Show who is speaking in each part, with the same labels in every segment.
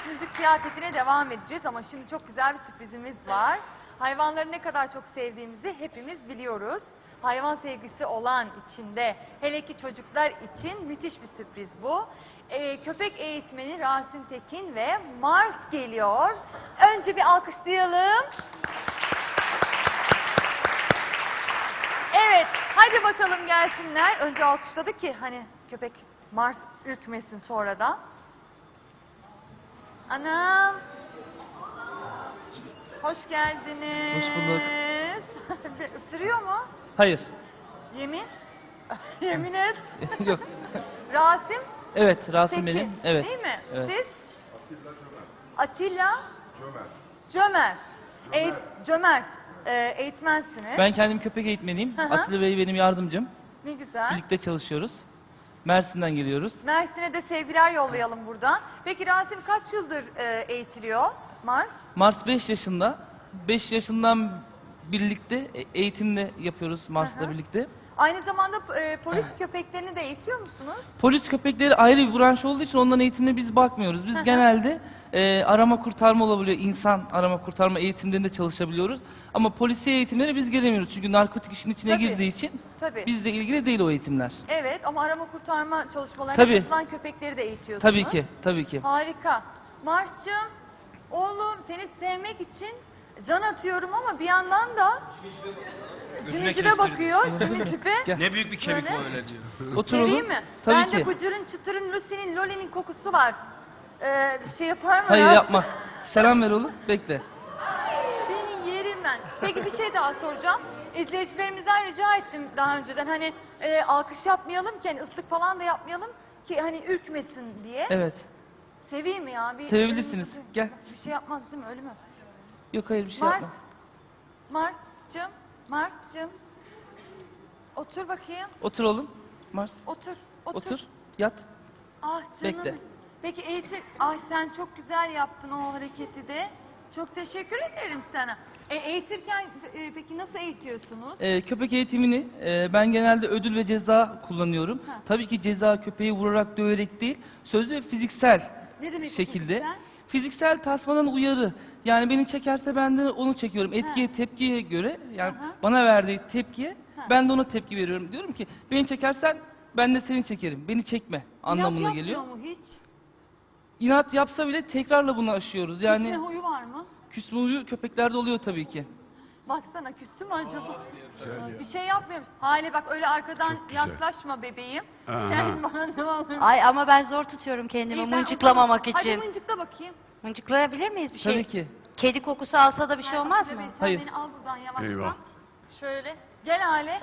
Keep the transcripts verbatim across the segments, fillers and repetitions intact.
Speaker 1: Ses müzik ziyafetine devam edeceğiz ama şimdi çok güzel bir sürprizimiz var. Hayvanları ne kadar çok sevdiğimizi hepimiz biliyoruz. Hayvan sevgisi olan içinde, hele ki çocuklar için müthiş bir sürpriz bu. Ee, köpek eğitmeni Rasim Tekin ve Mars geliyor. Önce bir alkışlayalım. Evet, hadi bakalım gelsinler. Önce alkışladık ki hani köpek Mars ürkmesin sonradan. Anam. Hoş geldiniz.
Speaker 2: Hoş bulduk.
Speaker 1: Isırıyor mu?
Speaker 2: Hayır.
Speaker 1: Yemin? Yemin et.
Speaker 2: Yok.
Speaker 1: Rasim
Speaker 2: Evet, Rasim
Speaker 1: Tekin.
Speaker 2: benim. Evet.
Speaker 1: Değil mi?
Speaker 2: Evet.
Speaker 1: Siz? Atilla
Speaker 3: Cömert.
Speaker 1: Cömert. Eğit-
Speaker 3: Cömert.
Speaker 1: Cömert. Ee, eğitmensiniz.
Speaker 2: Ben kendim köpek eğitmeniyim.
Speaker 1: Hı hı.
Speaker 2: Atilla Bey benim yardımcım.
Speaker 1: Ne güzel.
Speaker 2: Birlikte çalışıyoruz. Mersin'den geliyoruz.
Speaker 1: Mersin'e de sevgiler yollayalım buradan. Peki Rasim kaç yıldır e, eğitiliyor Mars?
Speaker 2: Mars beş yaşında. beş yaşından birlikte e- eğitimde yapıyoruz Mars'la
Speaker 1: Hı hı.
Speaker 2: birlikte.
Speaker 1: Aynı zamanda e, polis köpeklerini de eğitiyor musunuz?
Speaker 2: Polis köpekleri ayrı bir branş olduğu için onların eğitimine biz bakmıyoruz. Biz
Speaker 1: Hı hı.
Speaker 2: genelde e, arama kurtarma olabiliyor. İnsan arama kurtarma eğitimlerinde çalışabiliyoruz. Ama polisiye eğitimlere biz gelemiyoruz. Çünkü narkotik işin içine
Speaker 1: Tabii.
Speaker 2: girdiği için
Speaker 1: Tabii.
Speaker 2: bizle ilgili değil o eğitimler.
Speaker 1: Evet ama arama kurtarma çalışmalarına
Speaker 2: Tabii.
Speaker 1: katılan köpekleri de eğitiyorsunuz.
Speaker 2: Tabii ki, tabii ki.
Speaker 1: Harika. Mars'cığım, oğlum seni sevmek için can atıyorum ama bir yandan da cimicime bakıyor, cimicipe.
Speaker 4: Ne büyük bir kemik
Speaker 1: Böyle.
Speaker 4: o öyle diyor.
Speaker 2: Oturalım.
Speaker 1: Seveyim mi?
Speaker 2: Tabii
Speaker 1: Bende
Speaker 2: ki.
Speaker 1: bıcırın, çıtırın, Lucy'nin, Loli'nin kokusu var. Ee, bir şey yapar mı?
Speaker 2: Hayır
Speaker 1: ya?
Speaker 2: yapmaz. Selam ver oğlum. Bekle.
Speaker 1: Seni yerim ben. Peki bir şey daha soracağım. İzleyicilerimizden rica ettim daha önceden hani e, alkış yapmayalım ki hani ıslık falan da yapmayalım ki hani ürkmesin diye.
Speaker 2: Evet.
Speaker 1: Seveyim mi ya? Bir,
Speaker 2: Sevebilirsiniz. Gel.
Speaker 1: Bir şey yapmaz değil mi? Öyle mi?
Speaker 2: Yok hayır bir şey
Speaker 1: Mars.
Speaker 2: yapma.
Speaker 1: Mars'cığım. Mars'cığım. Otur bakayım.
Speaker 2: Otur oğlum. Mars.
Speaker 1: Otur. Otur.
Speaker 2: Otur. Yat.
Speaker 1: Ah canım.
Speaker 2: Bekle.
Speaker 1: Peki eğitim... Ay sen çok güzel yaptın o hareketi de. Çok teşekkür ederim sana. E, eğitirken e, peki nasıl eğitiyorsunuz?
Speaker 2: Ee, köpek eğitimini e, ben genelde ödül ve ceza kullanıyorum.
Speaker 1: Ha.
Speaker 2: Tabii ki ceza köpeği vurarak döverek değil, sözlü ve fiziksel
Speaker 1: Ne demek bu
Speaker 2: şekilde.
Speaker 1: fiziksel?
Speaker 2: Fiziksel tasmadan uyarı. Yani beni çekerse ben de onu çekiyorum. Etkiye,
Speaker 1: Ha.
Speaker 2: tepkiye göre yani
Speaker 1: Aha.
Speaker 2: bana verdiği tepkiye
Speaker 1: Ha.
Speaker 2: ben de ona tepki veriyorum. Diyorum ki beni çekersen ben de seni çekerim. Beni çekme anlamına
Speaker 1: İnat
Speaker 2: geliyor.
Speaker 1: yapmıyor mu hiç?
Speaker 2: İnat yapsa bile tekrarla bunu aşıyoruz. Yani
Speaker 1: Küsme huyu var mı?
Speaker 2: küsme huyu köpeklerde oluyor tabii ki.
Speaker 1: Baksana küstü mü acaba? Bir şey yapmıyorum. Hale bak öyle arkadan yaklaşma bebeğim. Sen bana ne olur.
Speaker 5: Ay ama ben zor tutuyorum kendimi
Speaker 1: İyi, ben o
Speaker 5: mıncıklamamak
Speaker 1: zaman-
Speaker 5: için.
Speaker 1: Hadi mıncıkla bakayım.
Speaker 5: Mıncıklayabilir miyiz bir şey?
Speaker 2: Tabii ki.
Speaker 5: Kedi kokusu alsa da bir şey
Speaker 1: Ver
Speaker 5: olmaz
Speaker 1: bak
Speaker 5: mı?
Speaker 1: bebeğim, Sen
Speaker 2: Hayır.
Speaker 1: beni al buradan yavaştan.
Speaker 3: Eyvah.
Speaker 1: Şöyle. Gel Hale.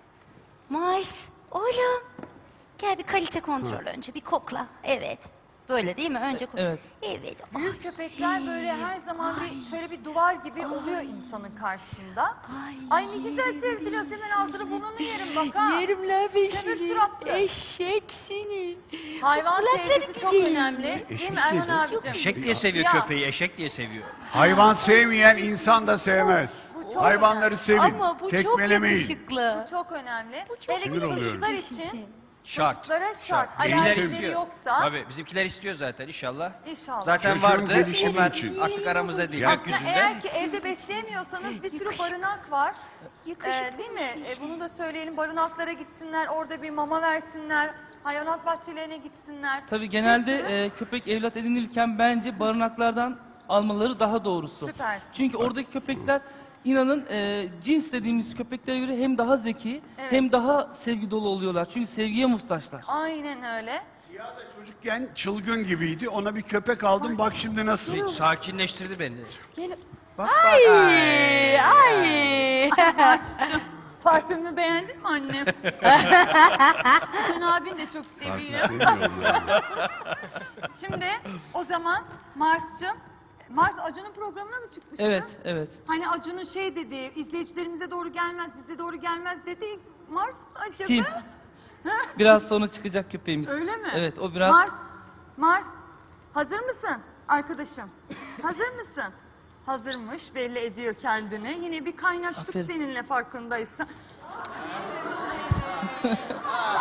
Speaker 5: Mars, oğlum. Gel bir kalite kontrol önce, bir kokla. Evet. Böyle değil mi? Önce kokla.
Speaker 2: Evet.
Speaker 5: Evet.
Speaker 1: Büyük köpekler böyle her zaman bir şöyle bir duvar gibi oluyor insanın karşısında.
Speaker 5: Ay.
Speaker 1: Ay ne güzel sevdiriyor. Hemen ağzını burnunu yerim bak ha.
Speaker 5: Yerim la
Speaker 1: Kömür suratlı.
Speaker 5: Eşek seni.
Speaker 1: Hayvan
Speaker 5: Kulakları
Speaker 1: sevgisi çok
Speaker 5: güzel.
Speaker 1: önemli. Değil mi Erhan abicim?
Speaker 4: Eşek diye seviyor
Speaker 1: Ya.
Speaker 4: köpeği, eşek diye seviyor.
Speaker 3: Hayvan sevmeyen insan da sevmez.
Speaker 1: Bu çok
Speaker 3: Hayvanları
Speaker 1: önemli.
Speaker 3: sevin.
Speaker 5: Ama bu çok
Speaker 3: Tekmelemeyin.
Speaker 5: yakışıklı.
Speaker 1: Bu çok önemli.
Speaker 5: Bu çok
Speaker 1: Hele ki
Speaker 3: Sinir oluyorum.
Speaker 1: çocuklar için.
Speaker 4: Şart.
Speaker 1: Çocuklara şart.
Speaker 4: Bizimkiler
Speaker 1: Alerjileri
Speaker 4: istiyor.
Speaker 1: yoksa
Speaker 4: Tabii bizimkiler istiyor zaten inşallah.
Speaker 1: inşallah.
Speaker 4: Zaten
Speaker 3: Çocuğun
Speaker 4: vardı.
Speaker 3: gelişimi
Speaker 4: Onlar
Speaker 3: için.
Speaker 4: artık aramıza değil,
Speaker 3: Ya-
Speaker 1: Aslında
Speaker 4: gökyüzünde.
Speaker 1: eğer ki evde besleyemiyorsanız bir sürü barınak var. Ee, değil mi? Ee, bunu da söyleyelim. Barınaklara gitsinler, orada bir mama versinler, hayvanat bahçelerine gitsinler.
Speaker 2: Tabii
Speaker 1: Bir
Speaker 2: genelde
Speaker 1: sürü-
Speaker 2: e, köpek evlat edinilirken bence barınaklardan almaları daha doğrusu.
Speaker 1: Süpersin.
Speaker 2: Çünkü oradaki köpekler inanın e, cins dediğimiz köpeklere göre hem daha zeki
Speaker 1: Evet.
Speaker 2: hem daha sevgi dolu oluyorlar. Çünkü sevgiye muhtaçlar.
Speaker 1: Aynen öyle.
Speaker 3: Siyah da çocukken çılgın gibiydi. Ona bir köpek aldım. Bak şimdi nasıl.
Speaker 4: Sakinleştirdi beni.
Speaker 1: Gelin.
Speaker 4: Bak bak. Ay.
Speaker 5: Ay.
Speaker 1: Mars'cığım, parfümü beğendin mi annem? Can abin de çok seviyor.
Speaker 3: Sevmiyorum yani.
Speaker 1: Şimdi o zaman Mars'cığım, Mars Acun'un programına mı çıkmıştı?
Speaker 2: Evet, evet.
Speaker 1: Hani Acun'un şey dediği, izleyicilerimize doğru gelmez, bize doğru gelmez dediği Mars mı acaba?
Speaker 2: Kim? Biraz sonra çıkacak köpeğimiz.
Speaker 1: Öyle mi?
Speaker 2: Evet, o biraz
Speaker 1: Mars, Mars, hazır mısın arkadaşım? Hazır mısın? Hazırmış, belli ediyor kendini. Yine bir kaynaştık
Speaker 2: Aferin.
Speaker 1: seninle farkındaysan.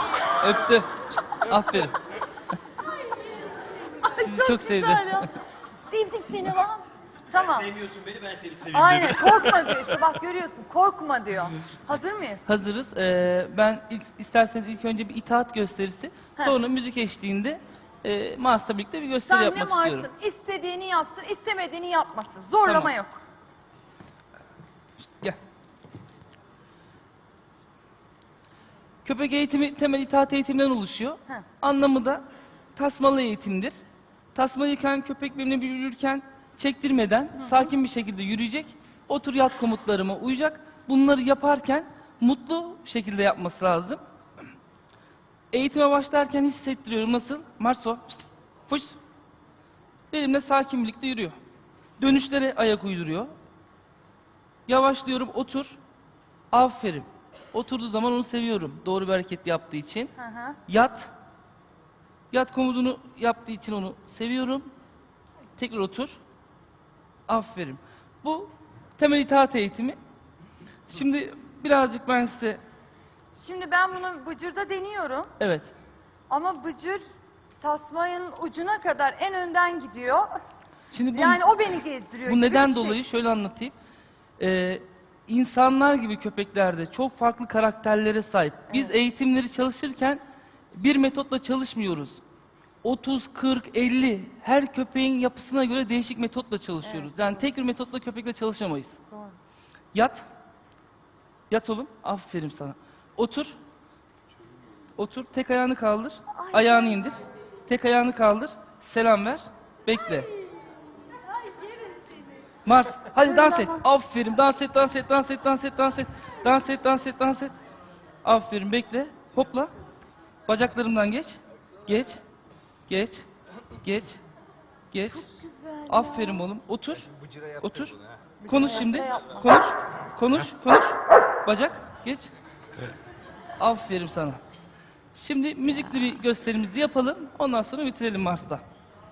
Speaker 2: öptü. Aferin. Sizi çok sevdi.
Speaker 1: güzel ya. Sevdim seni lan. Tamam.
Speaker 4: Sevmiyorsun beni, ben seni seviyorum.
Speaker 1: Aynen, korkma diyor işte, bak görüyorsun, korkma diyor. Hazır mıyız?
Speaker 2: Hazırız. Ee, ben ilk, isterseniz ilk önce bir itaat gösterisi, sonra müzik eşliğinde e, Mars'la birlikte bir gösteri
Speaker 1: Sen ne
Speaker 2: yapmak
Speaker 1: varsın,
Speaker 2: istiyorum.
Speaker 1: istediğini yapsın, istemediğini yapmasın. Zorlama
Speaker 2: Tamam.
Speaker 1: yok.
Speaker 2: Gel. Köpek eğitimi temel itaat eğitiminden oluşuyor.
Speaker 1: Heh.
Speaker 2: Anlamı da tasmalı eğitimdir. Tasmalıyken köpek benimle bir yürürken çektirmeden sakin bir şekilde yürüyecek. Otur yat komutlarıma uyacak. Bunları yaparken mutlu şekilde yapması lazım. Eğitime başlarken hissettiriyorum. Nasıl? Marso. Fış. Benimle sakin birlikte yürüyor. Dönüşlere ayak uyduruyor. Yavaşlıyorum. Otur. Aferin. Oturduğu zaman onu seviyorum. Doğru bir hareket yaptığı için.
Speaker 1: Hı hı.
Speaker 2: Yat. Yat komutunu yaptığı için onu seviyorum. Tekrar otur. Aferin. Bu temel itaat eğitimi. Şimdi birazcık ben size...
Speaker 1: Şimdi ben bunu Bıcır'da deniyorum.
Speaker 2: Evet.
Speaker 1: Ama Bıcır tasmanın ucuna kadar en önden gidiyor.
Speaker 2: Şimdi bu,
Speaker 1: Yani o beni gezdiriyor
Speaker 2: bu
Speaker 1: gibi
Speaker 2: neden
Speaker 1: bir şey.
Speaker 2: dolayı şöyle anlatayım. Ee, insanlar gibi köpeklerde çok farklı karakterlere sahip. Biz eğitimleri çalışırken bir metotla çalışmıyoruz. otuz, kırk, elli her köpeğin yapısına göre değişik metotla çalışıyoruz. Yani tek bir metotla köpekle çalışamayız.
Speaker 1: Doğru.
Speaker 2: Yat. Yat oğlum. Aferin sana. Otur. Otur. Tek ayağını kaldır. Ayağını indir. Tek ayağını kaldır. Selam ver. Bekle. Mars. Hadi dans et. Aferin. Dans et, dans et, dans et, dans et, dans et. Dans et, dans et, dans et. Aferin. Bekle. Hopla. Bacaklarımdan geç. Geç. Geç. Geç. Geç. Aferin oğlum. Otur. Otur. Konuş şimdi. Konuş. Konuş. Konuş. Bacak. Geç. Aferin sana. Şimdi müzikli bir gösterimizi yapalım. Ondan sonra bitirelim Mars'ta.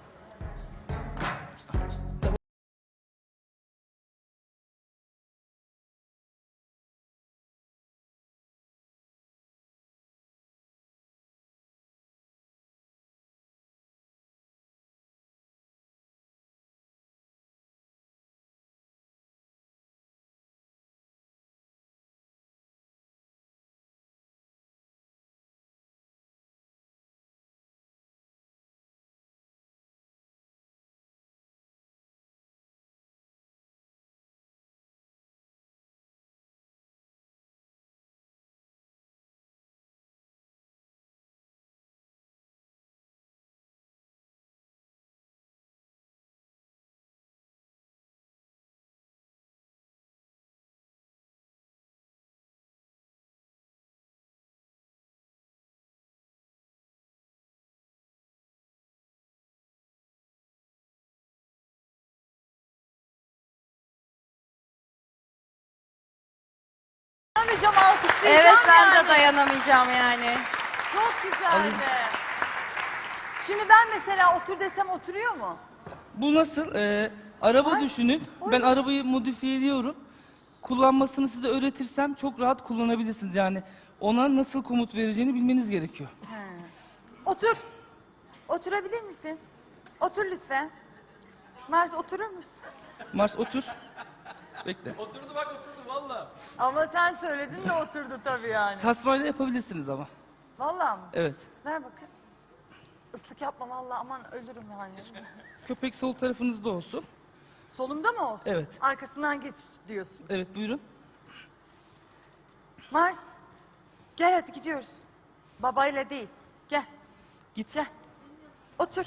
Speaker 1: Dayanamayacağım, alkışlayacağım
Speaker 5: Evet ben
Speaker 1: yani.
Speaker 5: de dayanamayacağım yani.
Speaker 1: Çok güzeldi. Şimdi ben mesela otur desem oturuyor mu?
Speaker 2: Bu nasıl? Ee, araba
Speaker 1: Ay,
Speaker 2: düşünün.
Speaker 1: oy.
Speaker 2: Ben arabayı modifiye ediyorum. Kullanmasını size öğretirsem çok rahat kullanabilirsiniz. Yani ona nasıl komut vereceğini bilmeniz gerekiyor.
Speaker 1: Otur. Oturabilir misin? Otur lütfen. Mars oturur musun?
Speaker 2: Mars otur. Bekle.
Speaker 4: Oturdu bak, oturdu valla.
Speaker 1: Ama sen söyledin de oturdu tabii yani.
Speaker 2: Tasmayla yapabilirsiniz ama.
Speaker 1: Vallahi mı?
Speaker 2: Evet.
Speaker 1: Ver bakayım. Islık yapma vallahi, aman ölürüm yani.
Speaker 2: Köpek sol tarafınızda olsun.
Speaker 1: Solumda mı olsun?
Speaker 2: Evet.
Speaker 1: Arkasından geç diyorsun.
Speaker 2: Evet buyurun.
Speaker 1: Mars, gel hadi gidiyoruz. Babayla değil. Gel,
Speaker 2: Git.
Speaker 1: gel. Otur.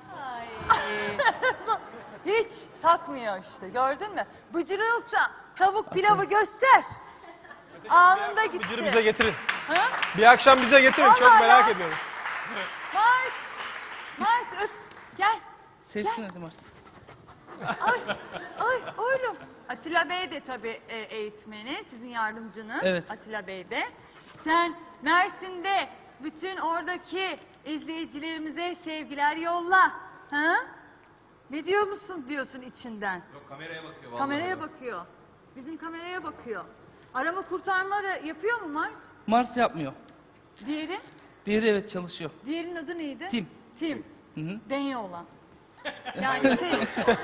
Speaker 1: Hiç takmıyor işte, gördün mü? Bıcırıyorsa tavuk pilavı göster. Anında gitti.
Speaker 6: Bıcırı bize getirin.
Speaker 1: Ha?
Speaker 6: Bir akşam bize getirin. Çok
Speaker 1: Vallahi
Speaker 6: merak
Speaker 1: ya.
Speaker 6: ediyoruz.
Speaker 1: Mars, Mars öp. Gel.
Speaker 2: Sevsin hadi Mars.
Speaker 1: Ay, ay oğlum. Atilla Bey de tabii e, eğitmeni, sizin yardımcınız.
Speaker 2: Evet.
Speaker 1: Atilla Bey de. Sen Mersin'de bütün oradaki izleyicilerimize sevgiler yolla. Ha? Ne diyor musun diyorsun içinden?
Speaker 4: Yok, kameraya bakıyor vallahi.
Speaker 1: Kameraya bakıyor. Bizim kameraya bakıyor. Arama kurtarma da yapıyor mu Mars?
Speaker 2: Mars yapmıyor.
Speaker 1: Diğeri?
Speaker 2: Diğeri evet çalışıyor.
Speaker 1: Diğerinin adı neydi?
Speaker 2: Tim.
Speaker 1: Tim.
Speaker 2: Hı hı.
Speaker 1: Denyo olan. Yani şey,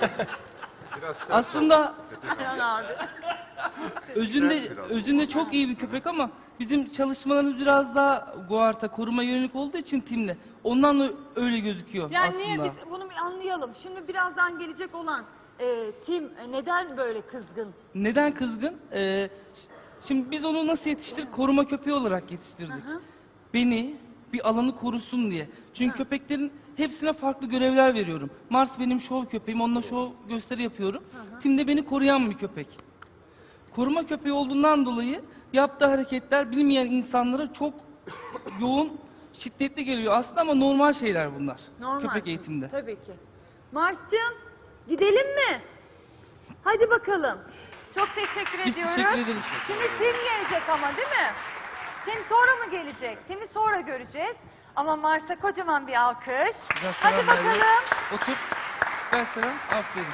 Speaker 2: Aslında
Speaker 1: Erhan abi.
Speaker 2: özünde özünde çok iyi bir köpek ama bizim çalışmalarımız biraz daha Guart'a koruma yönelik olduğu için timle. Ondan da öyle gözüküyor
Speaker 1: Yani
Speaker 2: aslında.
Speaker 1: niye biz bunu bir anlayalım. Şimdi birazdan gelecek olan e, Tim e, neden böyle kızgın?
Speaker 2: Neden kızgın? Ee, şimdi biz onu nasıl yetiştirdik? Koruma köpeği olarak yetiştirdik. Beni bir alanı korusun diye. Çünkü köpeklerin hepsine farklı görevler veriyorum. Mars benim şov köpeğim, onunla şov gösteri yapıyorum. Tim de beni koruyan bir köpek. Koruma köpeği olduğundan dolayı yaptığı hareketler bilmeyen insanlara çok yoğun, şiddetli geliyor aslında ama normal şeyler bunlar.
Speaker 1: Normal.
Speaker 2: Köpek eğitiminde.
Speaker 1: Tabii ki. Mars'cığım gidelim mi? Hadi bakalım. Çok teşekkür
Speaker 2: Biz
Speaker 1: ediyoruz.
Speaker 2: teşekkür ederiz.
Speaker 1: Şimdi Tim gelecek ama değil mi? Tim sonra mı gelecek? Tim'i sonra göreceğiz. Ama Mars'a kocaman bir alkış.
Speaker 2: Biraz
Speaker 1: Hadi
Speaker 2: selam ver.
Speaker 1: bakalım.
Speaker 2: Otur. Ver selam. Aferin.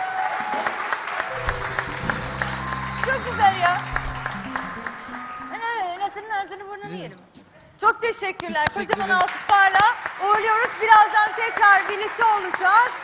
Speaker 1: Çok güzel ya. Ana, Nathan'ın ağzını burnunu yerim. Çok teşekkürler.
Speaker 2: Biz teşekkür
Speaker 1: Kocaman
Speaker 2: ederiz.
Speaker 1: alkışlarla uğurluyoruz. Birazdan tekrar birlikte olacağız.